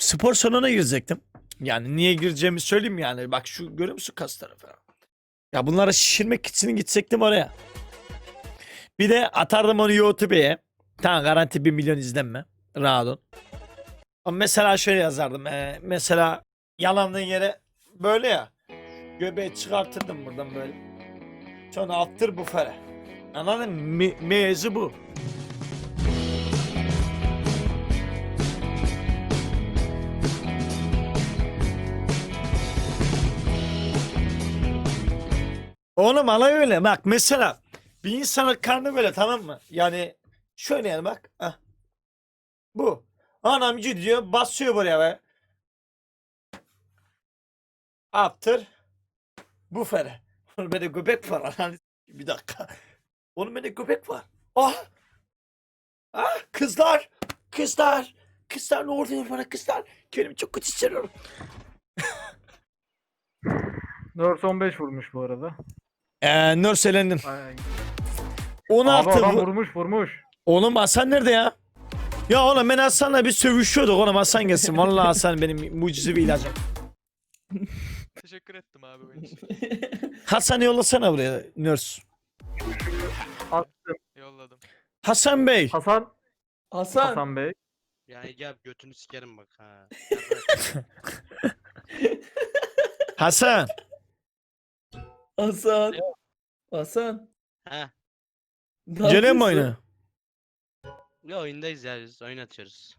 spor salonuna girecektim. Yani niye gireceğimi söyleyeyim yani. Bak şu görüyor musun kasları falan. Ya bunlara şişirmek için gidecektim oraya. Bir de atardım onu YouTube'ye. Tamam garanti 1 milyon izlenme. Rahat ol. Ama mesela şöyle yazardım. Mesela yalandığın yere böyle ya. Göbeği çıkartırdım buradan böyle. Sonra attır bu fere. Anladın mı? Mevzu bu. Oğlum alay öyle. Bak mesela bir insanın karnı böyle tamam mı? Yani şöyle yani bak. Hah. Bu. Anam gidiyor basıyor buraya be. Attır. Bu fere. Oğlum bende göbek var. Ananı bir dakika. Oğlum bende göbek var. Ah. Ah kızlar. Kızlar. Kızlar ne oluyor bana kızlar. Kendimi çok kötü hissediyorum. 415 vurmuş bu arada. Nörselendim. Ay. 16 Abi adam bu. vurmuş. Oğlum Hasan nerede ya? Ya oğlum ben Hasan'la bir sövüşüyorduk oğlum Hasan gelsin. Vallahi Hasan benim mucizevi ilacım. Teşekkür ettim abi oyun için. Hasan'ı yollasana buraya nörs. Attım. Yolladım. Hasan Bey. Hasan Hasan. Hasan Bey. Ya gel götünü sikerim bak ha. Hasan. Hasan. Hasan. Ha. Ne Gene mi yapıyorsun? oyna? Ya oyundayız ya biz oyun atıyoruz.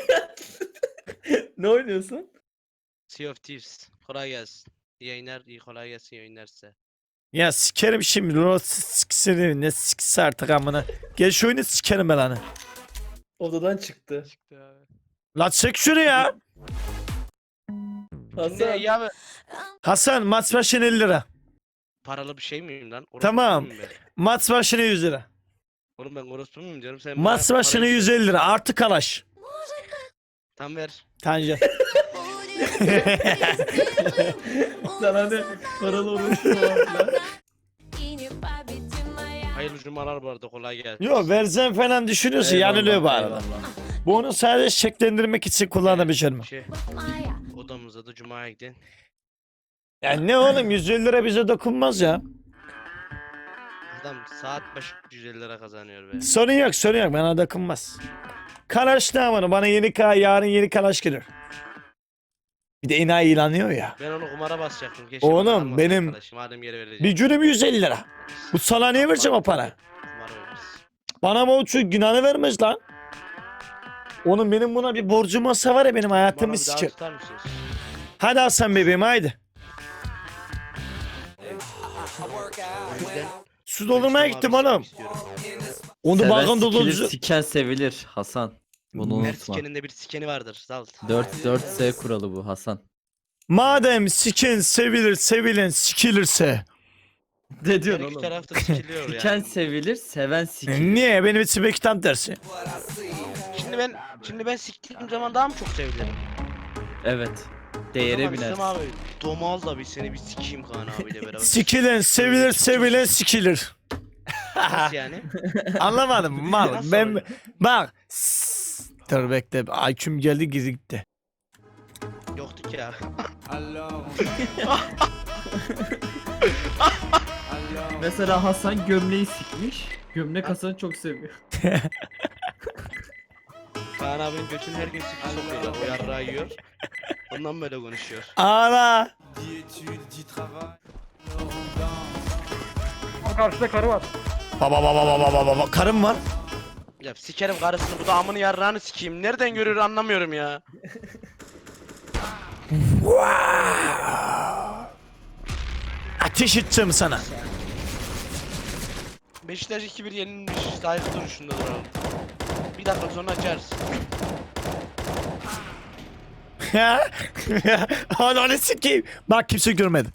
Ne oynuyorsun? Sea of Thieves. Kolay gelsin. İyi yayınlar, iyi kolay gelsin iyi yayınlar size. Ya sikerim şimdi. Lord sikse ne sikse artık amına. Gel şu oyunu sikerim ben hani. Odadan çıktı. Çıktı abi. La çek şunu ya. Ne Hasan. ya Hasan maç başına 50 lira. paralı bir şey miyim lan? Orospu Tamam. muyum ben? Maç başına 100 lira. Oğlum ben orospu muyum canım sen Maç bana başına parayı- 150 lira. Artı kalaş. Tam ver. Tanca. Sana ne? Paralı olursun falan. Hayırlı cumalar bu arada kolay gelsin. Yo verzen falan düşünüyorsun yanılıyor bu arada. Bu onu sadece şekillendirmek için kullanabileceğim. Şey, odamıza da cumaya gidin. Yani ne oğlum 150 lira bize dokunmaz ya. Adam saat başı 150 lira kazanıyor be. Sorun yok bana dokunmaz. Kalaş ne amanı bana yarın yeni kalaş gelir. Bir de enayi ilanıyor ya. Ben onu kumara basacaktım. Keşke Oğlum, bana almasın benim- arkadaşım, madem geri verecek. Bir günüm 150 lira. Bu salağa niye vereceğim o para? Kumar oynarız. Bana bu şu günahını vermez lan. Oğlum benim buna bir borcum olsa var ya benim Bana hayatımı bir daha sikir. tutar mısınız? Hadi Hasan bebeğim haydi. O yüzden Su doldurmaya Barış'tan gittim abi oğlum. istiyorum. Onu Seven bakın sikilir, doldurucu. siken sevilir Hasan. Bunu Her unutma. sikenin de bir sikeni vardır. Zalt. 4-4S kuralı bu Hasan. Madem siken sevilir sevilen sikilirse. Ne Her diyorsun iki oğlum? tarafta sikiliyor yani. Siken sevilir, seven sikilir. Niye? Benim için belki tam tersi. Şimdi ben siktiğim zaman daha mı çok sevilirim? Evet. O Değere zaman biner. İslam abi Domaz'la bir seni bir sikeyim Kaan abiyle beraber. Sikilen sevilir sevilen sikilir. Nasıl yani? Anlamadım mal. Nasıl Ben oluyor? bak. Dur bekle. IQ'm geldi geri gitti. Yoktu ki ya. Mesela Hasan gömleği sikmiş. Gömlek Hasan'ı çok seviyor. Kaan abinin götünü her gün sikti sokuyorlar. O yarrağı yiyor. Ondan böyle konuşuyor. Ana. Karşıda karı var. Baba. Karım var. Ya sikerim karısını bu da amını yarrağını sikeyim. Nereden görüyor anlamıyorum ya. Ateş edeceğim sana. Beşiktaş 2-1 yenilmiş. Saygı duruşunda duralım. Bir dakika sonra açarız. Ya. Ananı sikeyim. Bak kimse görmedi.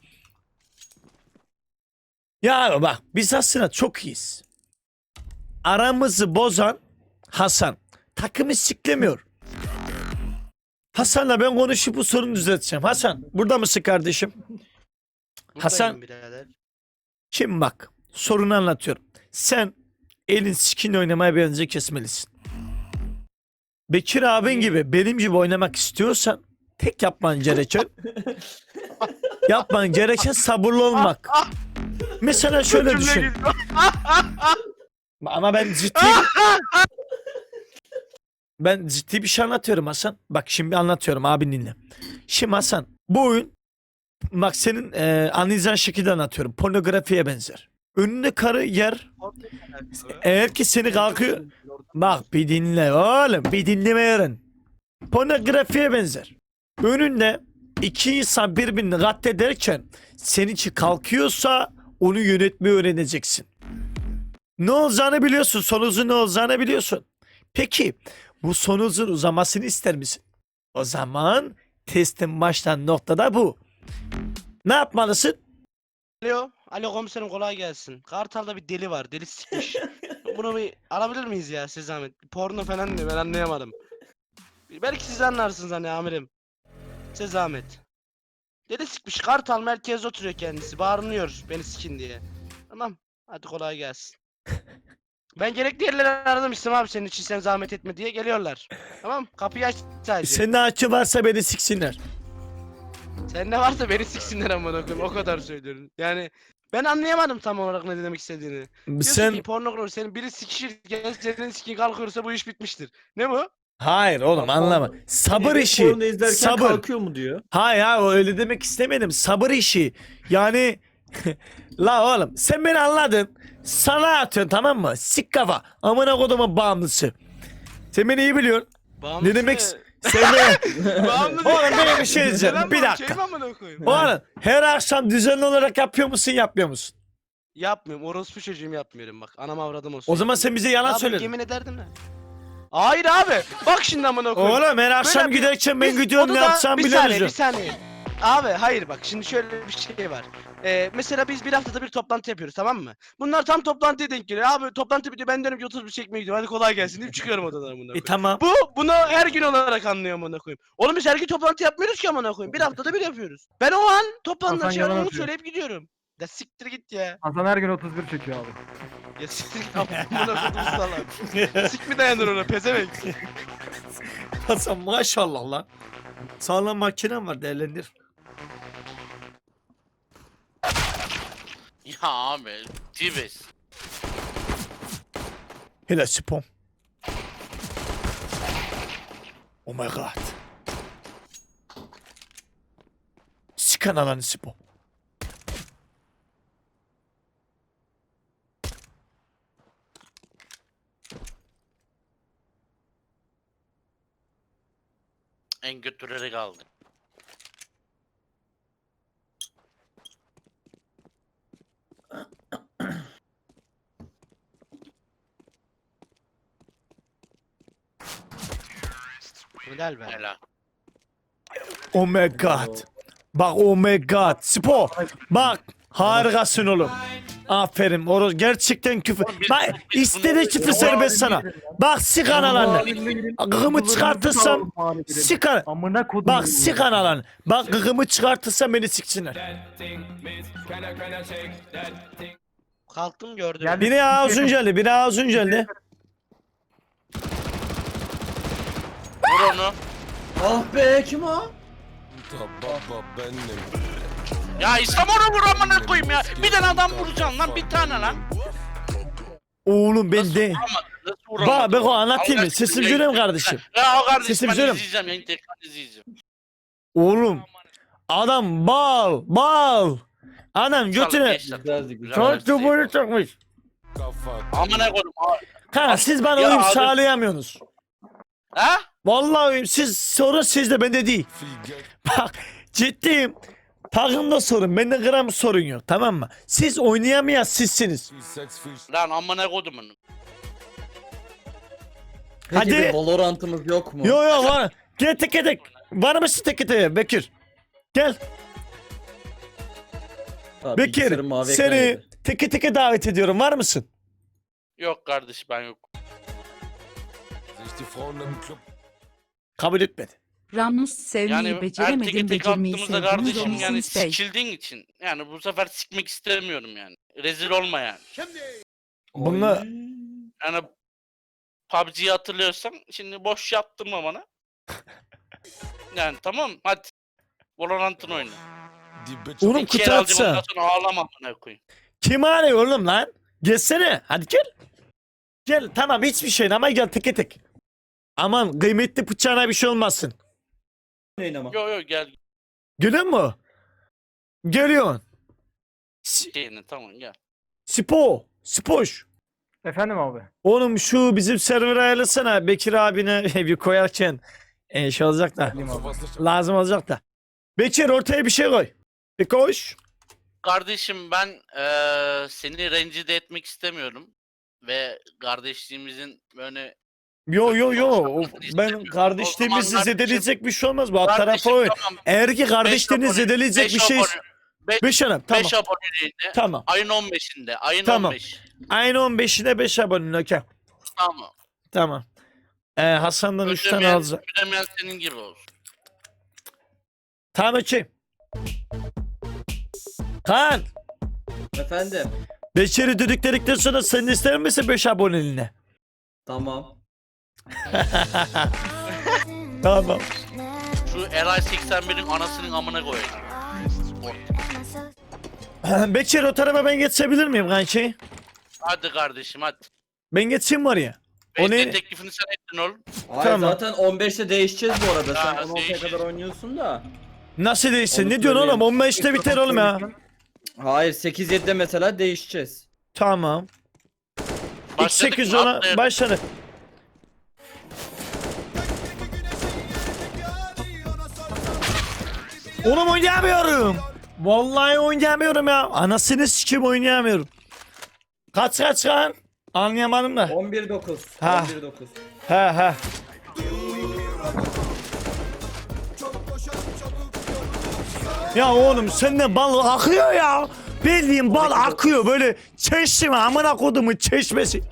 Ya bak biz aslında çok iyiyiz. Aramızı bozan Hasan. Takımı siklemiyor. Hasan'la ben konuşup bu sorunu düzelteceğim. Hasan burada mısın kardeşim? Hasan- Buradayım birader. Şimdi bak sorunu anlatıyorum. Sen elin skin oynamaya bence kesmelisin. Bekir abin gibi benim gibi oynamak istiyorsan tek yapman gereken sabırlı olmak. Mesela şöyle düşün. Ama ben ciddi bir şey anlatıyorum Hasan. Bak şimdi anlatıyorum abin dinle. Şimdi Hasan bu oyun bak senin anlayacağın şekilde anlatıyorum. Pornografiye benzer. Önünde karı yer. Eğer ki seni kalkıyor. Bak bir dinle oğlum. Bir dinleme öğren. Pornografiye benzer. Önünde iki insan birbirini katlederken senin için kalkıyorsa onu yönetmeyi öğreneceksin. Ne olacağını biliyorsun. Sonucun ne olacağını biliyorsun. Peki bu sonucun uzamasını ister misin? O zaman testin başlayan noktada bu. Ne yapmalısın? Alo komiserim kolay gelsin. Kartal'da bir deli var. Deli sikmiş. Bunu bir alabilir miyiz ya size zahmet? Porno falan diyor ben anlayamadım. Belki siz anlarsınız hani amirim. Size zahmet. Deli sikmiş. Kartal merkezde oturuyor kendisi. Bağırınıyor beni sikin diye. Tamam. Hadi kolay gelsin. Ben gerekli yerleri aradım İslam abi senin için sen zahmet etme diye geliyorlar. Tamam kapıyı aç sadece. Senin açı varsa beni siksinler. Sen ne varsa beni siksinler amına koyayım o kadar söylüyorum. Yani ben anlayamadım tam olarak ne demek istediğini. Diyorsun Sen ki pornografi senin biri sikişirken senin sikin kalkıyorsa bu iş bitmiştir. Ne bu? hayır oğlum anlama. Sabır Biri işi. porno izlerken Sabır. kalkıyor mu diyor. Hayır öyle demek istemedim. Sabır işi. Yani la oğlum sen beni anladın. Sana atıyorsun tamam mı? Sik kafa. Amına kodumun bağımlısı. Sen beni iyi biliyorsun. Bağımlısı Ne demek? ne? Sen Bağımlı Oğlum değil. benim bir şey diyeceğim. Lan Bir bu dakika. Şey mi amına koyayım? Oğlum her akşam düzenli olarak yapıyor musun yapmıyor musun? Yapmıyorum. Orospu çocuğum yapmıyorum bak. Anam avradım olsun. O zaman sen bize yalan Abi söyledin. yemin ederdim de. Hayır abi. Bak şimdi amına koyayım. Oğlum her akşam Böyle bir- giderken ben Biz gidiyorum ne odada- yapacağım bir bilemiyorum. saniye. Abi hayır bak şimdi şöyle bir şey var. Mesela biz bir haftada bir toplantı yapıyoruz tamam mı? Bunlar tam toplantıya denk geliyor. Abi toplantı bitiyor ben diyorum ki 30 bir çekmeye gidiyorum. Hadi kolay gelsin deyip çıkıyorum odadan amına koyayım. Tamam. Bunu her gün olarak anlıyorum amına koyayım. Oğlum biz her gün toplantı yapmıyoruz ki amına koyayım. Bir haftada bir yapıyoruz. Ben o an toplantıdan Hasan şey yalan onu atıyor. söyleyip gidiyorum. Ya siktir git ya. Hasan her gün 31 çekiyor abi. Ya siktir git amına koydum salak. Sik mi dayanır ona pezevenk. Hasan maşallah lan. Sağlam makinen var değerlendir. Ya abi. Tibes. Hele spom. Oh my god. Sikan alanı spom. En götürleri kaldı. Helal be. Helal. Oh my god. Bak oh my god. Spo. Bak. Harikasın oğlum. Aferin. Oğlum gerçekten küfür. Bak istediği küfür serbest sana. Bak sikan alanı. Gıgımı çıkartırsam sikan. Amına kodum. Bak sikan alanı. Bak gıgımı çıkartırsam beni siksinler. Kalktım gördüm. Geldi. Biri ağzın geldi. Biri ağzın geldi. Vur onu. Ah be kim o? Ya İslam onu vur amına koyayım ya. Bir tane adam vuracaksın lan bir tane lan. Oğlum ben de. Nasıl vuramadın? Bak Beko anlatayım mı? Allah Sesimi aşkına söyleyeyim yayın- kardeşim. Ya o kardeşim Sesimi ben söyleyeyim. izleyeceğim yayın tekrar izleyeceğim. Oğlum. Adam bal. Adam götüne. Güzeldi güzel. Çok çubuğunu çokmuş. Amına koydum. Kanka siz bana Ya uyum abi- sağlayamıyorsunuz. Ha? Vallahi uyum. Siz sorun sizde bende değil. Bak ciddiyim. Takımda sorun. Bende gram sorun yok. Tamam mı? Siz oynayamayan sizsiniz. Lan amına koydum onu. Peki Hadi. bir Valorant'ımız yok mu? Yo yo var. Gel tek tek. Var mısın tek tek Bekir? Gel. Ha, Bekir bilgisayarım mavi ekran seni yedi. teke teke davet ediyorum. Var mısın? Yok kardeş ben yok. Kabul etmedi. Ramus sevmeyi Yani her beceremedim, teke tek becermeyi attığımızda sevdiniz kardeşim yani Omisiniz Bey. sikildiğin için. Yani bu sefer sikmek istemiyorum yani. Rezil olma yani. Bunlar Yani PUBG'yi hatırlıyorsan şimdi boş yaptırma bana. Yani tamam hadi. Valorant'ın oyunu. Oğlum İki kutu el alacağım, atsa. ondan sonra ağlama bana koyayım. Kim arıyor oğlum lan? Gelsene. Hadi gel. Gel tamam hiçbir şey ama gel tek tek. Aman kıymetli bıçağına bir şey olmasın. Ama. Yo gel Görüyor musun? Görüyorsun. şeyini tamam gel. Spoş. Efendim abi. Oğlum şu bizim server ayarlasana Bekir abine bir koyarken şey olacak da. Alayım abi. Lazım olacak da. Bekir ortaya bir şey koy. Bir koş. Kardeşim ben seni rencide etmek istemiyorum. Ve kardeşliğimizin böyle Yo. Ben İstemiyorum. kardeşliğimizi O zaman zedeleyecek bir şey olmaz. Bu alt tarafa Kardeşim, oyun. tamam, Eğer ki kardeşliğini abone, zedeleyecek bir şey... 5 hanım tamam. 5 aboneliğinde Tamam. ayın 15'inde. Ayın Tamam. 15. Aynı 15'ine 5 abone. Okey. Tamam. Tamam. Hasan'dan 3 tane Ödemeyen, alacağım. ödemeyen senin gibi olsun. Tamam okey. Kaan. Efendim. Beşeri dediklerikten sonra sen ister misin 5 aboneliğine? Tamam. Tamam. Şu Eray 81'in anasının amına koyayım. Bekir o tarafa ben geçebilir miyim kanki? Hadi kardeşim hadi. Ben geçeyim mi oraya? O ne? Teklifini sen ettin oğlum. Hayır Tamam. zaten 15'te değişeceğiz bu arada. Sen Ha, 16'ya değişeceğiz. kadar oynuyorsun da. Nasıl değilsin? Onu Ne diyorsun oğlum? söyleyeyim. 15'te biter oğlum ya. Hayır 8-7'de mesela değişeceğiz. Tamam. Başladık X8 mı? ona Atlayalım. başladı. Oğlum oynayamıyorum. Vallahi oynayamıyorum ya. Anasını sikim oynayamıyorum. Kaç kan? Anlayamadım da. 11-9. Ha. 11-9. He. Ya oğlum senden bal akıyor ya. Bildiğin bal akıyor böyle çeşme amına kodumun çeşmesi.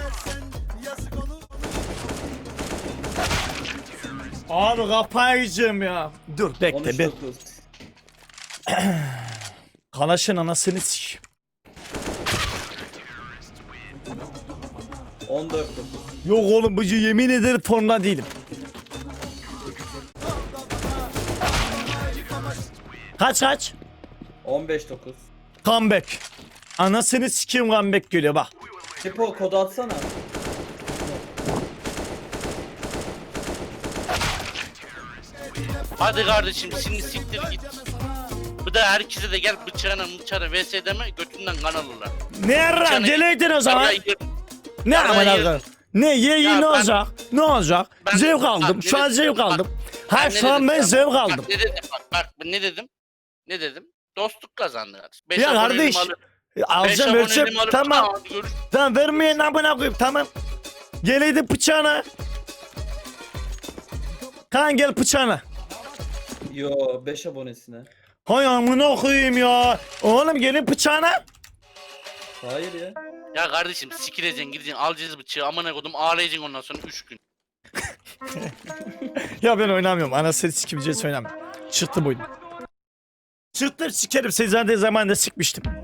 Abi kafayı yiyeceğim ya. Dur bekle ben. 13-9. Kalaşın anasını sik. 14-9. Yok oğlum bu yemin ederim formda değilim. Kaç? 15-9. Comeback. Anasını sikeyim comeback geliyor bak. Tipo kodu atsana. Hadi kardeşim şimdi siktir git. Bu da herkese de gel bıçağına vs deme götünden kan alırlar. Ne yarram Canım. geleydin o zaman. Vallahi Ne Vallahi amına yerim. koyayım? Ne ye Ya ne ben- olacak? Ne olacak? Ben- Zevk bak, aldım. ne Şu an dedim? zevk Bak, aldım. Ha ne şu an dedim ben ya? zevk Bak aldım. ne dedim bak ne dedim? Ne dedim? Dostluk kazandı kardeşim. Beş Ya aboneliğimi kardeş, alıp- Alacağım beş ölçüp aboneliğimi alıp- tamam. Hadi görüş- Tamam vermeyen amına koyayım tamam. Geleydin bıçağına. Kaan gel bıçağına. Yo 5 abonesine. Hay amına koyayım ya. Oğlum gelin bıçağına. Hayır ya. Ya kardeşim sikileceksin gideceksin alacağız bıçağı amına kodum ağlayacaksın ondan sonra 3 gün. Ya ben oynamıyorum. Anasını sikimeceğiz oynamıyorum. Çıktım oyunu. Çıktım sikerim. Seni zaten zamanında sikmiştim.